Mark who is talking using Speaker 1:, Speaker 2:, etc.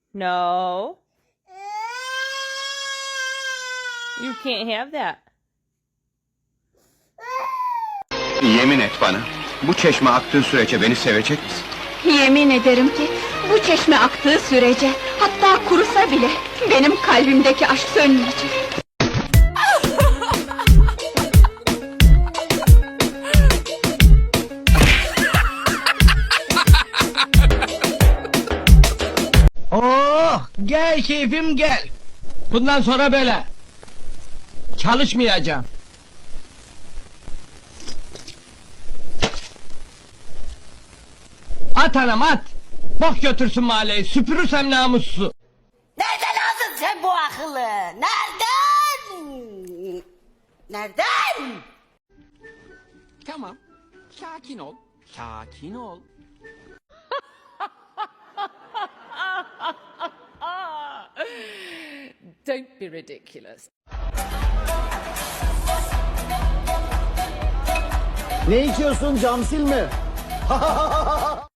Speaker 1: No. You can't have that.
Speaker 2: Yemin et bana, bu çeşme aktığı sürece beni sevecek misin?
Speaker 3: Yemin ederim ki bu çeşme aktığı sürece, hatta kurusa bile benim kalbimdeki aşk sönmeyecek.
Speaker 4: Oh, gel keyfim gel. Bundan sonra böyle. Çalışmayacağım. At anam at. Bok götürsün mahalleyi, süpürürsem namussuzu.
Speaker 5: Nereden aldın sen bu akıllı? Nereden? Nereden?
Speaker 6: Tamam. Sakin ol. Sakin ol.
Speaker 7: Don't be ridiculous.
Speaker 8: Ne içiyorsun, camsil mi?